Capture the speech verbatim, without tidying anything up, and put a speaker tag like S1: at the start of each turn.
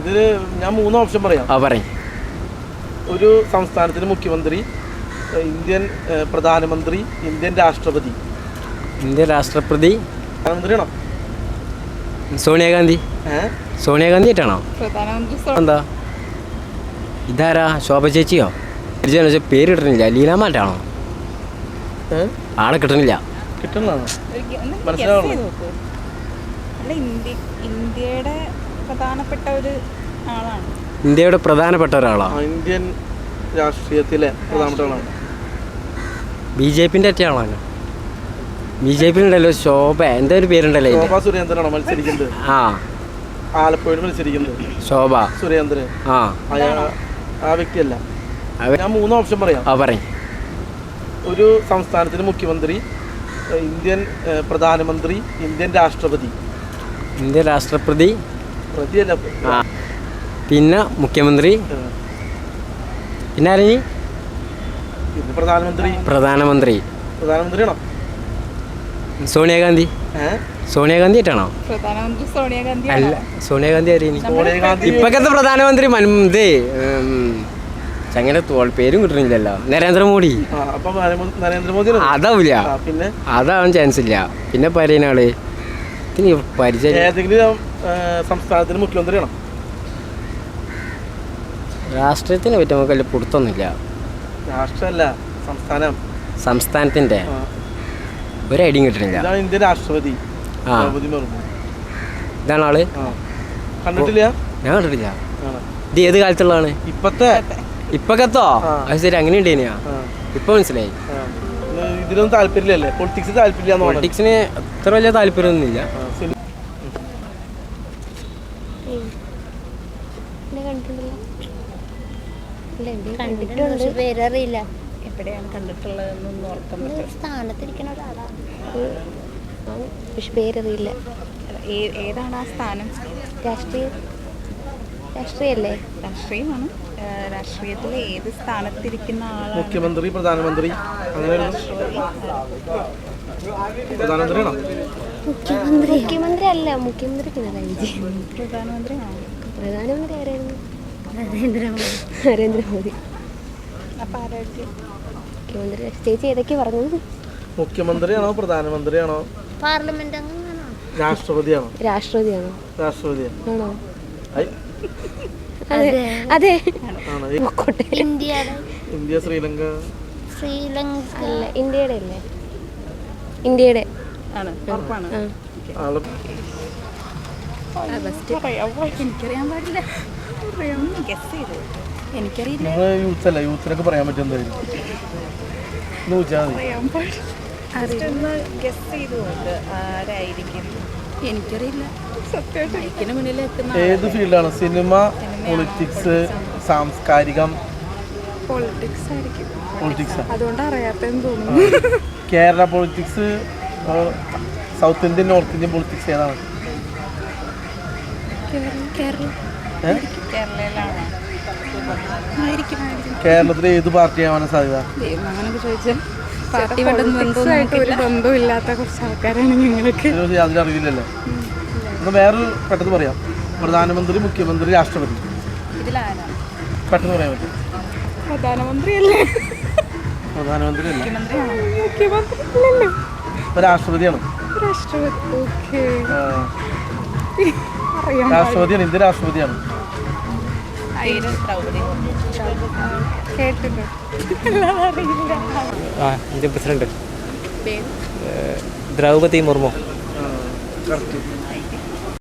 S1: ഇതിൽ ഞാൻ മൂന്ന് ഓപ്ഷൻ പറയാം.
S2: ആ പറയും.
S1: ഒരു സംസ്ഥാനത്തിന് മുഖ്യമന്ത്രി, ഇന്ത്യൻ പ്രധാനമന്ത്രി, ഇന്ത്യൻ രാഷ്ട്രപതി.
S2: ഇന്ത്യൻ രാഷ്ട്രപതി
S1: പ്രധാനമന്ത്രിയാണോ?
S2: സോണിയാഗാന്ധി.
S1: ഏഹ്
S2: സോണിയാഗാന്ധി ആയിട്ടാണോ? എന്താ ഇതാരാ? ശോഭ ചേച്ചിയോ? പേര് കിട്ടണില്ല. ലീലാമാറ്റാണോ? ആളെ കിട്ടണില്ല.
S1: കിട്ടണതാണോ? മനസ്സിലാവണോ?
S3: ഇന്ത്യയുടെ പ്രധാനപ്പെട്ട ഒരു ആളാണ്.
S2: ഇന്ത്യയുടെ പ്രധാനപ്പെട്ട ഒരാളാണ്.
S1: ഇന്ത്യൻ രാഷ്ട്രീയത്തിലെ പ്രധാനപ്പെട്ട ആളാണ്.
S2: ബി ജെ പിന്റെ ഒറ്റ ആളാണ്. ബി ജെ പി ഉണ്ടല്ലോ ശോഭ, എന്താ ഒരു പേരുണ്ടല്ലോ.
S1: ശോഭ സുരേന്ദ്രനാണോ മത്സരിക്കുന്നത്?
S2: ആ,
S1: ആലപ്പുഴയിൽ മത്സരിക്കുന്നത്
S2: ശോഭ
S1: സുരേന്ദ്രൻ.
S2: ആ
S1: ആ വ്യക്തിയല്ല. ഞാൻ മൂന്ന് ഓപ്ഷൻ പറയാം.
S2: ആ പറയും.
S1: ഒരു സംസ്ഥാനത്തിന് മുഖ്യമന്ത്രി, ഇന്ത്യൻ പ്രധാനമന്ത്രി, ഇന്ത്യൻ രാഷ്ട്രപതി.
S2: ഇന്ത്യൻ രാഷ്ട്രപതി
S1: പ്രതിയല്ല.
S2: ആ, പിന്നെ മുഖ്യമന്ത്രി, പിന്നെ ആരെയും
S1: പിന്നെ പ്രധാനമന്ത്രി.
S2: പ്രധാനമന്ത്രി
S1: പ്രധാനമന്ത്രിയാണോ?
S2: സോണിയാഗാന്ധി.
S1: ഏഹ്
S2: സോണിയാഗാന്ധി ആയിട്ടാണോ?
S3: പ്രധാനമന്ത്രി സോണിയാഗാന്ധി
S2: അല്ല, സോണിയാഗാന്ധി ആരെയും
S1: സോണിയാഗാന്ധി
S2: ഇപ്പൊക്കത്തെ പ്രധാനമന്ത്രി ഇത് ചങ്ങനെ തോൾ പേരും കിട്ടണില്ലല്ലോ. നരേന്ദ്രമോദി.
S1: അപ്പൊ നരേന്ദ്രമോദി
S2: അതാവില്ല.
S1: പിന്നെ
S2: അതാവാൻ ചാൻസ് ഇല്ല. പിന്നെ പറയുന്ന ആള് പരിചയം.
S1: ഏതെങ്കിലും സംസ്ഥാനത്തിന് മുഖ്യമന്ത്രിയാണോ?
S2: രാഷ്ട്രീയത്തിനെ പറ്റി നമുക്ക് വലിയ പുറത്തൊന്നുമില്ല.
S1: രാഷ്ട്രമല്ല, സംസ്ഥാനം.
S2: സംസ്ഥാനത്തിന്റെ ഒരു ഐഡിയും കിട്ടണില്ല.
S1: ഇതാണ് ഇന്ത്യൻ രാഷ്ട്രപതി.
S2: ആ, ഇതാണ് ആള്.
S1: കണ്ടിട്ടില്ല?
S2: ഞാൻ കണ്ടിട്ടില്ല. ഇത് ഏത് കാലത്തുള്ളതാണ്?
S1: ഇപ്പത്തെ
S2: ഇപ്പൊക്കത്തോ? അത് ശരി, അങ്ങനെ ഉണ്ടേനെയാ? ഇപ്പൊ മനസ്സിലായി.
S1: ഇതിലൊന്നും താല്പര്യമില്ലല്ലേ? പൊളിറ്റിക്സ് താല്പര്യം.
S2: പൊളിറ്റിക്സിന് അത്ര വലിയ താല്പര്യമൊന്നുമില്ല.
S4: പേരറിയില്ല.
S3: എവിടെയാണ് കണ്ടിട്ടുള്ളതെന്നൊന്നും ഓർക്കാൻ പറ്റും.
S4: സ്ഥാനത്തിരിക്കുന്ന ഒരാളാണ്, പക്ഷെ പേരറിയില്ല.
S3: ഏതാണ് ആ സ്ഥാനം?
S4: രാഷ്ട്രീയ രാഷ്ട്രീയല്ലേ?
S3: രാഷ്ട്രീയമാണ്. രാഷ്ട്രീയത്തിലെ ഏത് സ്ഥാനത്തിരിക്കുന്ന ആളാണ്?
S1: മുഖ്യമന്ത്രി, പ്രധാനമന്ത്രി, അങ്ങനെ പ്രധാനമന്ത്രിയാണോ?
S4: മുഖ്യമന്ത്രി മുഖ്യമന്ത്രി അല്ല, മുഖ്യമന്ത്രി പിണറായി വിജയൻ.
S3: പ്രധാനമന്ത്രിയാണോ?
S4: പ്രധാനമന്ത്രി ആരായിരുന്നു? നരേന്ദ്രമോദി. നരേന്ദ്രമോദി.
S3: അപ്പം ആരായിരിക്കും
S4: മുഖ്യമന്ത്രി? ചേച്ചി ഏതൊക്കെ പറഞ്ഞു?
S1: മുഖ്യമന്ത്രിയാണോ പ്രധാനമന്ത്രിയാണോ
S4: പാർലമെന്റ് അംഗമാണോ
S1: രാഷ്ട്രപതിയാണോ?
S4: രാഷ്ട്രപതിയാണോ?
S1: രാഷ്ട്രപതിയാണോ?
S4: അതെ അതെ.
S1: ഇന്ത്യ, ശ്രീലങ്ക.
S4: ശ്രീലങ്ക അല്ല, ഇന്ത്യയുടെ അല്ലേ? ഇന്ത്യയുടെ
S3: ആണ്. ഉറപ്പാണ്. എനിക്കറിയാൻ പാടില്ല. ഗസ് ചെയ്തു. എനിക്കറിയില്ല.
S1: യൂത്ത് അല്ല, യൂത്തിനൊക്കെ പറയാൻ പറ്റും. എന്തായാലും
S3: ഗസ് ചെയ്തുകൊണ്ട് ആരായിരിക്കും? എനിക്കറിയില്ല. സത്യമായിട്ട് മുന്നിൽ
S1: ഏത് ഫീൽഡാണ്? സിനിമ, പൊളിറ്റിക്സ്, സാംസ്കാരികം?
S3: പൊളിറ്റിക്സ് ആയിരിക്കും.
S1: പൊളിറ്റിക്സ്.
S3: അതുകൊണ്ട് അറിയാത്തെന്ന് തോന്നുന്നു.
S1: Kerala politics, South Indian, North Indian politics ഏതാണ്? കേരളത്തിലെ ഏത് പാർട്ടിയാവാനാണ് സാധ്യത?
S3: അങ്ങനൊക്കെ ചോദിച്ചാൽ ഒരു ബന്ധമില്ലാത്ത കുറച്ച് ആൾക്കാരാണ് ഞങ്ങൾക്ക്.
S1: അതിലറിയില്ലല്ലോ. വേറൊരു പെട്ടെന്ന് പറയാം. പ്രധാനമന്ത്രി, മുഖ്യമന്ത്രി, രാഷ്ട്രപതി.
S3: ഇതിലാരാണ്
S1: പെട്ടെന്ന് പറയാൻ പറ്റും?
S3: പ്രധാനമന്ത്രി അല്ലേ?
S1: പ്രധാനമന്ത്രി അല്ല.
S3: മുഖ്യമന്ത്രി
S1: ഇപ്പൊ രാഷ്ട്രപതിയാണ്.
S3: രാഷ്ട്രപതി. ഓക്കെ,
S1: രാഷ്ട്രപതിയാണ്. ഇന്ത്യ രാഷ്ട്രപതിയാണ്.
S2: Indian president Droupadi Murmu.
S1: Correct.